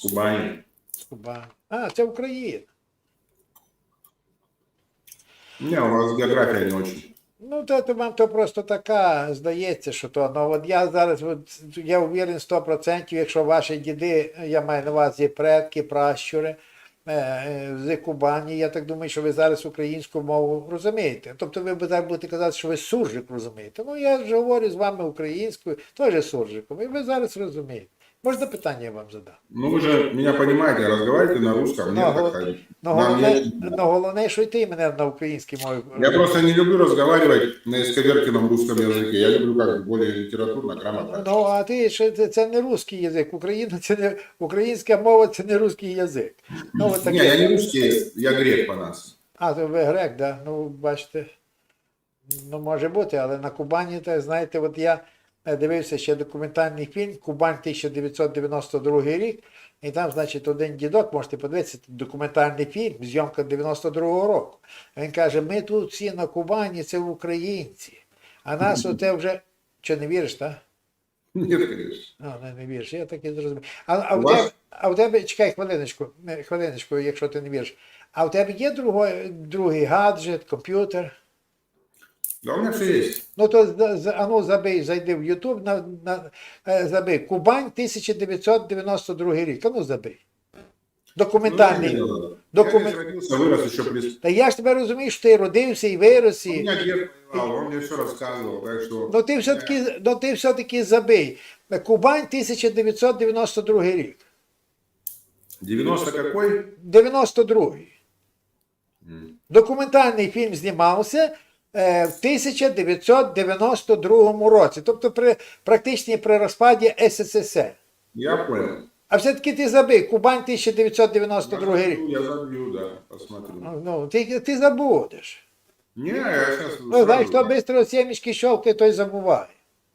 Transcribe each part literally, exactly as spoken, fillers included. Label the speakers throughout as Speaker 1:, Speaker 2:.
Speaker 1: Кубани.
Speaker 2: З Кубані. А, це Україна.
Speaker 1: Не, у вас география не очень.
Speaker 2: Ну, то, то вам то просто така, здається, що то. Ну, от я зараз, от, я уверен сто відсотків, якщо ваші діди, я маю на увазі предки, пращури, е, е, з Кубані, я так думаю, що ви зараз українську мову розумієте. Тобто ви б так будете казати, що ви суржик розумієте. Ну, я ж говорю з вами українською, теж суржиком, і ви зараз розумієте. Можна питання я вам задам?
Speaker 1: Ну, вы же меня понимаете, разговаривайте на русском,
Speaker 2: Ну,
Speaker 1: нет,
Speaker 2: гол-
Speaker 1: так ходить.
Speaker 2: Ну,
Speaker 1: Нам
Speaker 2: головне,
Speaker 1: не-
Speaker 2: ну, головне, що й ти мене на українській мові.
Speaker 1: Я просто не люблю разговаривать на исковерканном русском языке. Я люблю как более литературно, грамотно.
Speaker 2: Ну, а ти ще це, це не русський язик. Україна це не українська мова, це не русський язик. Ну, от
Speaker 1: Не, я не русский, я грек по нас.
Speaker 2: А, то ви грек, да? Ну, бачите. Ну, може бути, але на Кубані, так, знаєте, от я дивився ще документальний фільм Кубань тисяча дев'ятсот дев'яносто другий рік, і там, значить, один дідок, можете подивитися, документальний фільм, зйомка дев'яносто другого року. Він каже, ми тут всі на Кубані, це українці. А нас оте вже... Що, не віриш, так?
Speaker 1: Нет, конечно.
Speaker 2: А, не, не віриш, я так і зрозумів. А, а,
Speaker 1: У
Speaker 2: в
Speaker 1: вас-
Speaker 2: тебе, а в тебе, чекай хвилиночку, не, хвилиночку, якщо ти не віриш. А в тебе є другий, другий гаджет, комп'ютер?
Speaker 1: Да у меня все есть.
Speaker 2: Ну то з- з- а ну забий, зайди в Ютуб, на, на, е, забий. Кубань тисяча дев'ятсот дев'яносто другий рік. А ну забий. Документальний.
Speaker 1: Ну, я
Speaker 2: Документ...
Speaker 1: здесь родился, вырос еще при...
Speaker 2: Та я ж тебе розумію, що ти родився і вирос.
Speaker 1: У
Speaker 2: І...
Speaker 1: меня дед воевал, он мне все рассказывал, так что...
Speaker 2: Ну ти все-таки, ну, ти все-таки забий. Кубань тисяча дев'ятсот дев'яносто другий рік.
Speaker 1: девяносто какой?
Speaker 2: дев'яносто другий.
Speaker 1: М.
Speaker 2: Документальний фільм знімався е, в тисяча дев'ятсот дев'яносто другому році, тобто при, практично при розпаді ес ес ес ер.
Speaker 1: Я понял.
Speaker 2: А все-таки ти забий, Кубань тисяча дев'ятсот дев'яносто другий рік.
Speaker 1: Я забью, да, посмотрю.
Speaker 2: Ну, ти, ти забудеш.
Speaker 1: Не, я сейчас...
Speaker 2: Ну, знаєш, хто швидко сімечки щовкає, той забуває.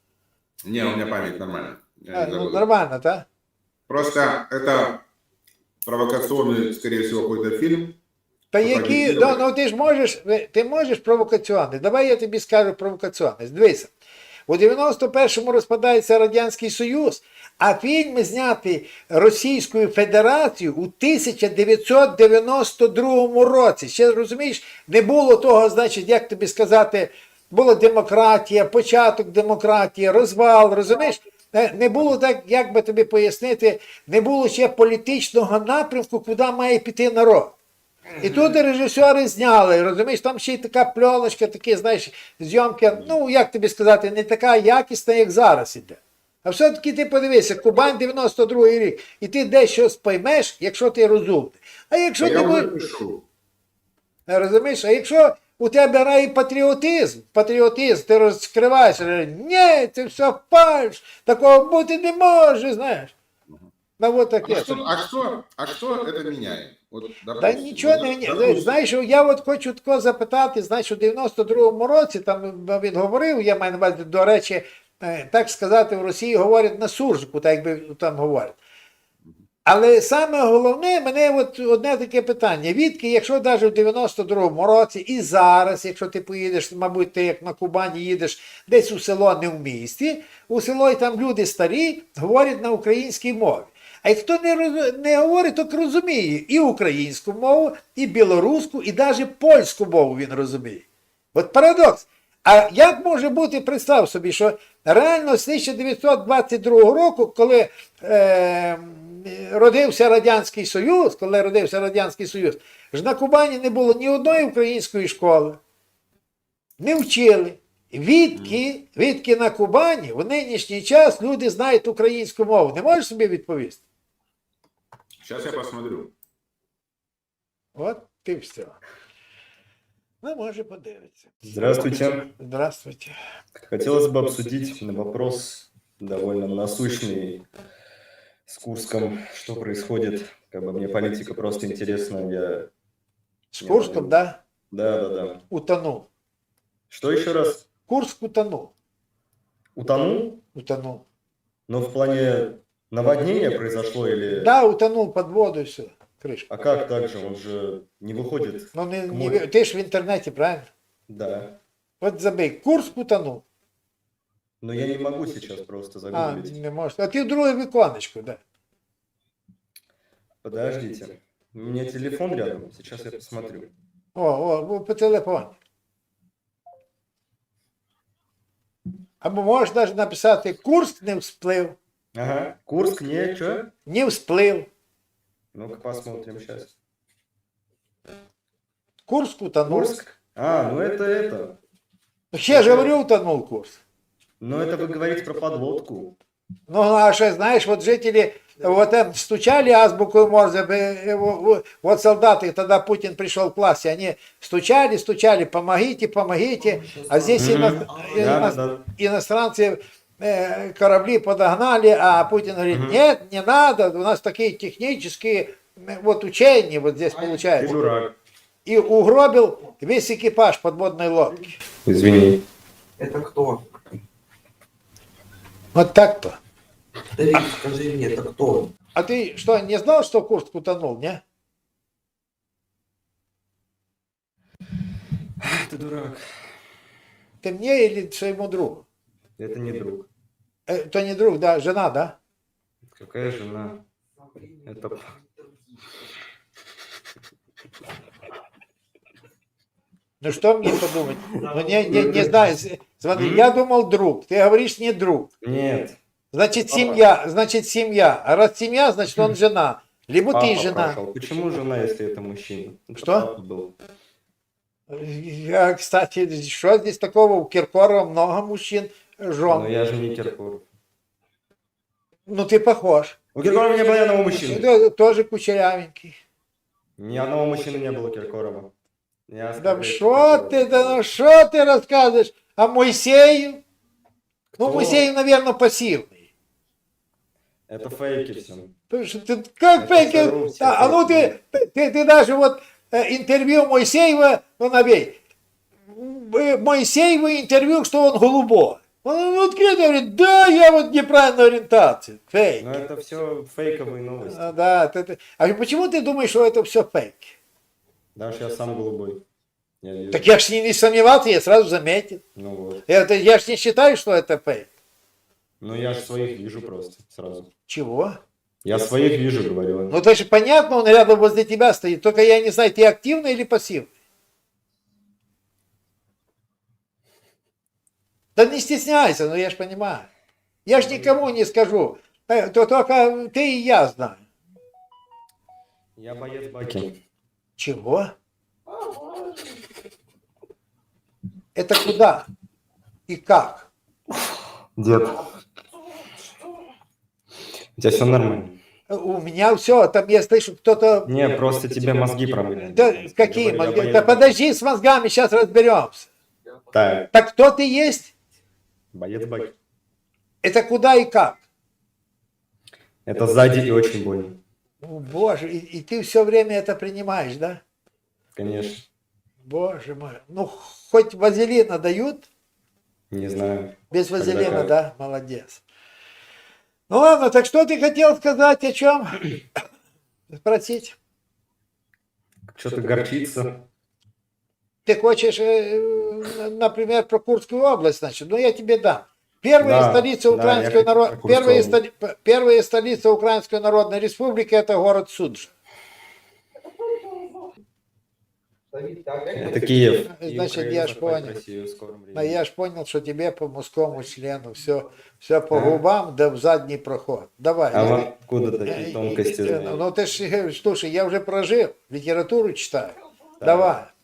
Speaker 1: Не, у меня память нормальная. Я
Speaker 2: А,
Speaker 1: не
Speaker 2: ну,
Speaker 1: забуду.
Speaker 2: нормально, так?
Speaker 1: Просто это провокационный, скорее всего, какой-то фильм.
Speaker 2: Та які, ну, ну ти ж можеш, ти можеш провокаціонний. Давай я тобі скажу провокаціонний. Дивися, у дев'яносто першому розпадається Радянський Союз, а фільми зняті Російською Федерацією у тисяча дев'ятсот дев'яносто другому році. Ще розумієш, не було того, значить, як тобі сказати, була демократія, початок демократії, розвал, розумієш? Не не було так, як би тобі пояснити, не було ще політичного напрямку, куди має піти народ. І тут режисери зняли, розумієш, там ще й така пльоночка, такі, знаєш, зйомки, ну, як тобі сказати, не така якісна, як зараз іде. А все-таки ти подивися, Кубань дев'яносто другий рік, і ти дещо споймеш, якщо ти розумний. А якщо
Speaker 1: Я
Speaker 2: ти
Speaker 1: уже
Speaker 2: будеш,
Speaker 1: пишу.
Speaker 2: розумієш, а якщо у тебе рай патріотизм, патріотизм, ти розкриваєш, ні, це все фальш, такого бути не може, знаєш. Ну, от
Speaker 1: А
Speaker 2: таке.
Speaker 1: кто, а, кто, а кто это меняет? Вот,
Speaker 2: Та
Speaker 1: допустим,
Speaker 2: нічого
Speaker 1: вот,
Speaker 2: не ні.
Speaker 1: допустим,
Speaker 2: Знаєш, я от хочу тако запитати, знаєш, у дев'яносто другому році, там він говорив, я маю на увазі, до речі, е, так сказати, в Росії говорять на суржику, так якби там говорять. Але саме головне, мене от одне таке питання. Відки, якщо навіть у дев'яносто другому році і зараз, якщо ти поїдеш, мабуть, ти як на Кубані їдеш десь у село, не в місті, у село і там люди старі, говорять на українській мові. А хто не, роз... не говорить, то розуміє і українську мову, і білоруську, і навіть польську мову він розуміє. От парадокс. А як може бути, представ собі, що реально з тисяча дев'ятсот двадцять другого року, коли е, родився Радянський Союз, коли родився Радянський Союз, ж на Кубані не було ні одної української школи, не вчили. Відки, відки на Кубані в нинішній час люди знають українську мову. Не можеш собі відповісти?
Speaker 1: Сейчас я посмотрю.
Speaker 2: От ти все. Ну, може, подивитися.
Speaker 3: Здравствуйте.
Speaker 2: Здравствуйте.
Speaker 3: Хотелось бы обсудить вопрос довольно насущный с Курском. Что происходит? Как бы мне политика просто интересна. Я...
Speaker 2: З Курском, да?
Speaker 3: Да, да, да.
Speaker 2: Утонув.
Speaker 3: Что еще раз?
Speaker 2: Курск утонув.
Speaker 3: Утонул?
Speaker 2: Утонув.
Speaker 3: Но в плане наводнения произошло или...
Speaker 2: Да, утонув під воду і все. Кришка.
Speaker 3: А как так же? Он же не выходит.
Speaker 2: Ну, не,
Speaker 3: к
Speaker 2: не,
Speaker 3: морю.
Speaker 2: ти ж в інтернеті, правильно?
Speaker 3: Да.
Speaker 2: От забий. Курск утонув.
Speaker 3: Но я не могу сейчас просто
Speaker 2: А,
Speaker 3: загуглить.
Speaker 2: не можеш. А ти в друге віконечко, да.
Speaker 3: Подождите. У меня телефон рядом. Сейчас я посмотрю.
Speaker 2: О, о, по телефону. Або можеш навіть написати Курск не всплив.
Speaker 3: Ага. Курск, не, что?
Speaker 2: Не всплив.
Speaker 3: Ну-ка посмотрим сейчас.
Speaker 2: Курск утонул.
Speaker 3: Курск? А, ну это это.
Speaker 2: Я же говорю, утонул Курск.
Speaker 3: Ну это вы говорите про подлодку.
Speaker 2: Ну, а что, знаешь, вот жители вот там стучали азбуку Морзе, э, э, вот солдаты, тогда Путин пришел к власти, они стучали, стучали, помогите, помогите, а здесь
Speaker 3: Мгм.
Speaker 2: ино-
Speaker 3: Да,
Speaker 2: ино-
Speaker 3: да.
Speaker 2: иностранцы э, корабли подогнали, а Путин говорит,
Speaker 3: Мгм.
Speaker 2: нет, не надо, у нас такие технические э, вот учения вот здесь
Speaker 3: Ты
Speaker 2: получается.
Speaker 3: дурак.
Speaker 2: И угробил весь экипаж подводной лодки.
Speaker 3: Извини.
Speaker 4: Это кто?
Speaker 2: Вот так-то.
Speaker 4: Ты скажи мне, это кто?
Speaker 2: А ты что, не знал, что Курск утонул, не?
Speaker 3: Ты дурак.
Speaker 2: Ты мне или своему другу?
Speaker 3: Это не друг.
Speaker 2: Э, то не друг, да, жена, да?
Speaker 3: Какая жена? Это...
Speaker 2: Ну что мне подумать? Ну не, не, не знаю. С- Смотри, я думал друг. Ты говоришь не друг.
Speaker 3: Нет.
Speaker 2: Значит семья, значит семья. А раз семья, значит он жена. Либо ты
Speaker 3: Папа
Speaker 2: жена.
Speaker 3: прошел. Почему жена, если это мужчина? Это
Speaker 2: Что?
Speaker 3: папа был.
Speaker 2: Я, кстати, что здесь такого? У Киркорова много мужчин,
Speaker 3: Но
Speaker 2: жен.
Speaker 3: я же не Киркоров.
Speaker 2: Ну ты похож.
Speaker 3: У Киркорова не было ни одного мужчины.
Speaker 2: Ты тоже кучерявенький.
Speaker 3: Ни одного мужчины не было Киркорова. Я
Speaker 2: Да
Speaker 3: скорее
Speaker 2: что
Speaker 3: Киркорова.
Speaker 2: ты, да ну что ты рассказываешь? А Моисею? Ну,
Speaker 3: Кто?
Speaker 2: Моисею, наверное, пассивный.
Speaker 3: Это фейки все.
Speaker 2: Потому что ты как
Speaker 3: Это
Speaker 2: фейки?
Speaker 3: здорово, все
Speaker 2: А, а ну ты,
Speaker 3: фейки.
Speaker 2: ты, ты даже вот э, интервью Моисеева, ну набей. Э, Моисеева интервью, что он голубой. Он открыто говорит, да, я вот неправильной ориентации. Фейк.
Speaker 3: Но это все фейковые новости.
Speaker 2: А, да, ты- ты- а почему ты думаешь, что это все фейк?
Speaker 3: Даже я сам голубой. Я вижу.
Speaker 2: Так я ж не, не сомневался, я сразу заметил.
Speaker 3: Ну вот.
Speaker 2: Это, я ж не считаю, что это фейк.
Speaker 3: Ну я же своих вижу просто сразу.
Speaker 2: Чего?
Speaker 3: Я своих вижу, говорю.
Speaker 2: Ну, это же понятно, он рядом возле тебя стоит. Только я не знаю, ты активный или пассивный. Да не стесняйся, ну я ж понимаю. Я ж никому не скажу. Э, То только ты и я знаю.
Speaker 3: Я боец Баки.
Speaker 2: Чего? Это куда? И как?
Speaker 3: Дед. У тебя все нормально?
Speaker 2: У меня все, там я слышу, кто-то...
Speaker 3: Не, просто тебе мозги промыли.
Speaker 2: Да какие
Speaker 3: Я
Speaker 2: мозги?
Speaker 3: боец
Speaker 2: Да
Speaker 3: Баки.
Speaker 2: подожди с мозгами, сейчас разберемся.
Speaker 3: Так,
Speaker 2: Так кто ты есть?
Speaker 3: боец Баки.
Speaker 2: Это куда и как?
Speaker 3: Это сзади и очень больно.
Speaker 2: О, Боже, и, и ты все время это принимаешь, да?
Speaker 3: Конечно.
Speaker 2: Боже мой. Ну, хоть вазелина дают?
Speaker 3: Не знаю.
Speaker 2: Без
Speaker 3: Когда
Speaker 2: вазелина,
Speaker 3: как.
Speaker 2: да? Молодец. Ну ладно, так что ты хотел сказать, о чем? Спросить?
Speaker 3: Что-то горчится.
Speaker 2: Ты хочешь, э, например, про Курскую область, значит? Ну, я тебе дам. Первая
Speaker 3: Да,
Speaker 2: столица
Speaker 3: да,
Speaker 2: Украинской
Speaker 3: я хочу
Speaker 2: народ...
Speaker 3: про Курскую
Speaker 2: первая,
Speaker 3: область.
Speaker 2: столи- п- первая столица Украинской Народной Республики это город Суджа.
Speaker 3: Это Киев.
Speaker 2: Значит,
Speaker 3: И Украина
Speaker 2: я ж
Speaker 3: захватит
Speaker 2: понял.
Speaker 3: Россию в скором
Speaker 2: А
Speaker 3: времени.
Speaker 2: я ж понял, что тебе по мужскому члену все, все по
Speaker 3: А?
Speaker 2: губам, да в задний проход. Давай.
Speaker 3: А
Speaker 2: я-
Speaker 3: вам откуда
Speaker 2: э,
Speaker 3: такие
Speaker 2: э,
Speaker 3: тонкости
Speaker 2: э,
Speaker 3: знаете?
Speaker 2: Ну ты ж, э, слушай, я уже прожил, литературу читаю.
Speaker 3: Так.
Speaker 2: Давай.